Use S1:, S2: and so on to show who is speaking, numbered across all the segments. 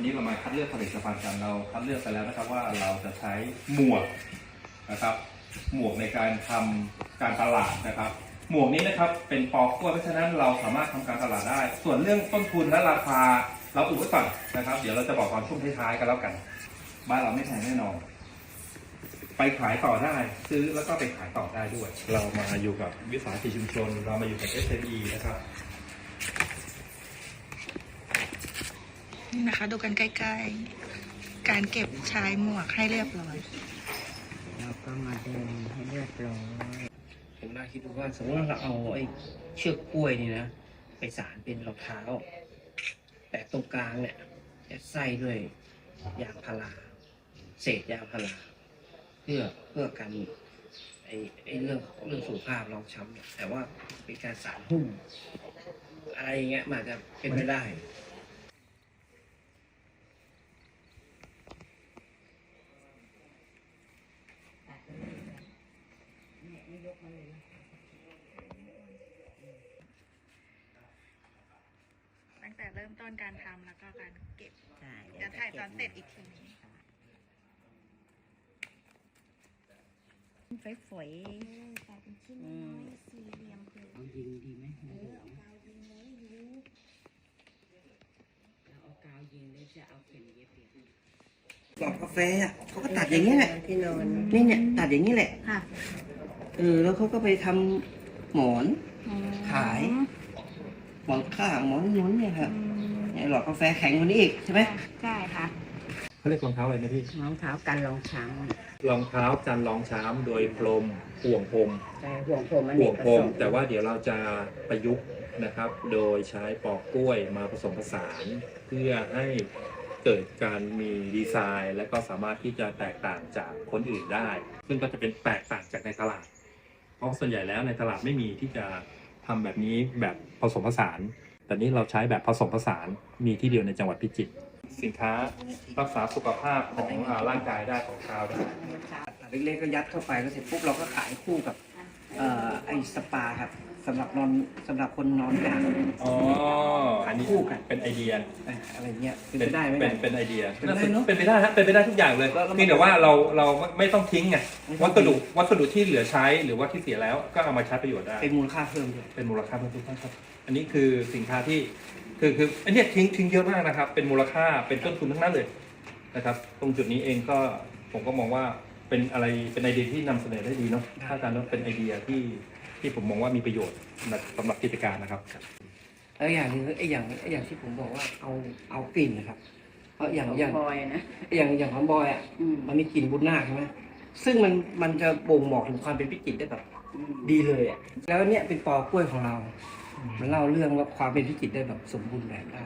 S1: วันนี้เรามาคัดเลือกผลิตภัณฑ์กันเราคัดเลือกไปแล้วนะครับว่าเราจะใช้หมวกนะครับหมวกในการทำการตลาดนะครับหมวกนี้นะครับเป็นปอกกล้วยเพราะฉะนั้นเราสามารถทำการตลาดได้ส่วนเรื่องต้นทุนและราคาเราอุบไว้ก่อนนะครับเดี๋ยวเราจะบอกตอนช่วงท้ายๆกันแล้วกันบ้านเราไม่แพงแน่นอนไปขายต่อได้ซื้อแล้วก็ไปขายต่อได้ด้วยเรามาอยู่กับวิสาหกิจชุมชนเรามาอยู่กับ SME นะครับ
S2: นี่นะคะดูกันใกล้ๆการเก็บชายหมวกให้เรียบร้อย
S3: แล้วก็มาเดินให้เรียบร้อยผมน่าคิดดูว่าสมมติว่าเราเอาไอ้เชือกกล้วยนี่นะไปสานเป็นรองเท้าแต่ตรงกลางเนี่ยจะใส่ด้วยยางพาราเศษยางพาราเพื่อกันไอ้เรื่องสุขภาพรองช้ำเนี่ยแต่ว่าเป็นการสานหุ้มอะไรเงี้ยมันจะเป็นไม่ได้
S2: ตั้งแต่เริ่มต้นการทำแล้วก็การเก็บจะถ่ายตอนเสร็จอีกทีนึง
S4: ฝอยๆแต่เป็นชิ้นน้อยสี่เหลี่ยมคือ
S3: เอายิงดีไหม
S4: เอากาวยิงเลยดู
S3: เราเอากาวยิงแล้วจะเอาเข็มเย็บหลอดกาแฟอ่ะเขาก็ตัดอย่างนี้แหละที่นอนนี่เนี่ยตัดอย่างนี้แหละ
S4: ค่ะ
S3: แล้วเขาก็ไปทำหมอนขายหมอนข้างหมอนนุ้นเนี่ยครับเนี่ยหลอดกาแฟแข็งกว่านี้อีกใช่ไหม
S4: ใช่ค่ะ
S1: เขาเรียกรองเท้าอะไรนะพี่
S3: รองเท้ากันรองช้
S1: รองเท้าจันรองช้ำโดยพรมห่วงพรม
S3: ใช่ห่วงพรม
S1: ห่วงพรมแต่ว่าเดี๋ยวเราจะประยุกต์นะครับโดยใช้ปอกกล้วยมาผสมผสานเพื่อให้เกิดการมีดีไซน์และก็สามารถที่จะแตกต่างจากคนอื่นได้ซึ่งก็จะเป็นแตกต่างจากในตลาดเพราะส่วนใหญ่แล้วในตลาดไม่มีที่จะทำแบบนี้แบบผสมผสานแต่นี้เราใช้แบบผสมผสานมีที่เดียวในจังหวัดพิจิตรสินค้ารักษาสุขภาพของร่างกายได้ของชาวได้
S3: เล็กๆก็ยัดเข้าไปแล้วเสร็จปุ๊บเราก็ขายคู่กับไอ้สปาครับสำหรับคนนอนกลาง
S1: อ๋ออันนี้
S3: คู่กัน
S1: เป็นไอเดีย
S3: อะไรเงี้ยเป็นไปได้ไหม
S1: เป็นไอเดียเป็นไปได้ฮะเป็นไปได้ทุกอย่างเลยเพียงแต่ว่าเราไม่ต้องทิ้งไงวัสดุที่เหลือใช้หรือว่าที่เสียแล้วก็เอามาใช้ประโยชน์ได้
S3: เป็นมูลค่าเพิ่มด้วย
S1: เป็นมูลค่าเพิ่มทุกท่านครับอันนี้คือสินค้าที่คืออันนี้ทิ้งเยอะมากนะครับเป็นมูลค่าเป็นต้นทุนทั้งนั้นเลยนะครับตรงจุดนี้เองก็ผมก็มองว่าเป็นอะไรเป็นไอเดียที่นำเสนอได้ดีเนาะถ้าการนั้นเป็นไอเดียที่ผมมองว่ามีประโยชน์สำหรับกิจการนะครับ
S3: แล้วอย่างนึงไอ้อย่างที่ผมบอกว่าเอากลิ่นนะครับเพราะอย่าง
S4: บอยนะ
S3: อย่างของบอยอ่ะมันมีกลิ่นบุญนาคใช่ไหมซึ่งมันจะบ่งบอกถึงความเป็นพิจิตรได้แบบดีเลยอ่ะแล้วเนี่ยเป็นปอกล้วยของเรามันเล่าเรื่องว่าความเป็นพิจิตรได้แบบสมบูรณ์แบบได้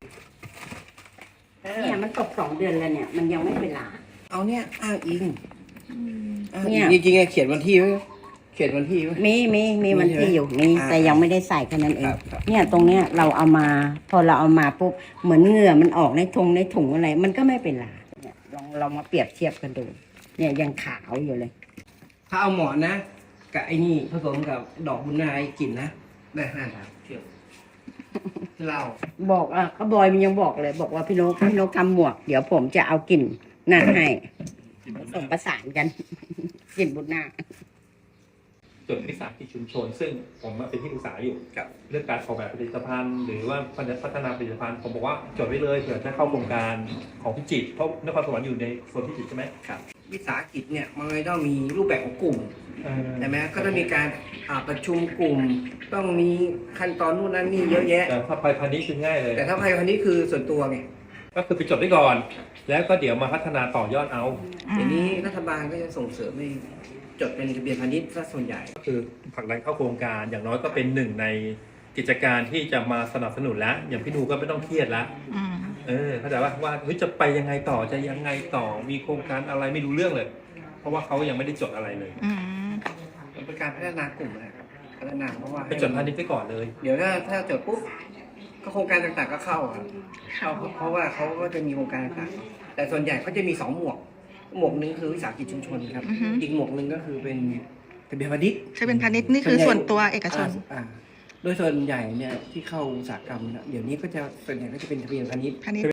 S4: เนี่ยมันตก2 เดือนแล้วเนี่ยมันยังไม่เวลา
S3: เอาเนี่ยอ้างอิงเนี่ยจริงๆเขียนวันที่ไว้
S4: มีวันที่อยู่มีแต่ยังไม่ได้ใส่แค่นั้นเองเนี่ยตรงเนี้ยเราเอามาพอเราเอามาปุ๊บเหมือนเหงื่อมันออกในถุงอะไรมันก็ไม่เป็นไรเนี่ยลองมาเปรียบเทียบกันดูเนี่ยยังขาวอยู่เลย
S3: ถ้าเอาหมอนนะกับไอ้นี่ผสมกับดอกบุญนาคกลิ่นนะได้5 ดาวเที่ยวเรา
S4: บอกก็บอยมันยังบอกเลยบอกว่าพี่นกทำหมวกเดี๋ยวผมจะเอากลิ่นนั่นให้ผสมประสานกันกลิ่นบุญนาค
S1: จดวิสาหกิจชุมชนซึ่งผมเป็นที่ปรึกษาอยู่กับเรื่องการออกแบบผลิตภัณฑ์หรือว่าพัฒนาผลิตภัณฑ์ผมบอกว่าจดไว้เลยเผื่อจะเข้าโครงการของพิจิตรเพราะนครสวรรค์อยู่ในโซนพิจิตรใช่ไหม
S3: ครับวิสาหกิจเนี่ยมันต้องมีรูปแบบของกลุ่มใช่ไหมก็ต้องมีการประชุมกลุ่มต้องมีขั้นตอนนู่นนั่นนี่เยอะแยะ
S1: แต่ถ้าไปพันนี้คือง่ายเลย
S3: แต่ถ้าไปพันนี้คือส่วนตัวไง
S1: ก็คือไปจดไว้ก่อนแล้วก็เดี๋ยวมาพัฒนาต่อยอดเอา
S3: ทีนี้รัฐบาลก็จะส่งเสริมให้จดเป็นทะเบียนพาณิชย์ซะส่วนใหญ่
S1: ก็คือผลักดันเข้าโครงการอย่างน้อยก็เป็นหนึ่งในกิจการที่จะมาสนับสนุนแล้วอย่างพี่นูก็ไม่ต้องเครียดแล้วเข้าใจว่าจะไปยังไงต่อจะยังไงต่อมีโครงการอะไรไม่รู้เรื่องเลยเพราะว่าเขายังไม่ได้จดอะไรเลย
S3: มันเป็นการพัฒนากลุ่มนะครับพัฒนาเพราะว่า
S1: ไปจดพาณิชย์ไปก่อนเลย
S3: เดี๋ยวถ้าจดปุ๊บก็โครงการต่างๆก็เข้าครับเพราะว่าเขาก็จะมีโครงการต่างๆแต่ส่วนใหญ่เขาจะมี2 หมวกนึงคือวิสาหกิจชุมชนครับอีกหมวกนึงก็คือเป็นทะเบียนพาณิชย์
S2: ใช่เป็นพาณิชย์นี่คือส่วนตัวเอกชน
S3: โดยส่วนใหญ่เนี่ยที่เข้าอุตสาหกรรมเดี๋ยวนี้ก็จะส่วนใหญ่ก็จะเป็นทะเบียนพาณิชย์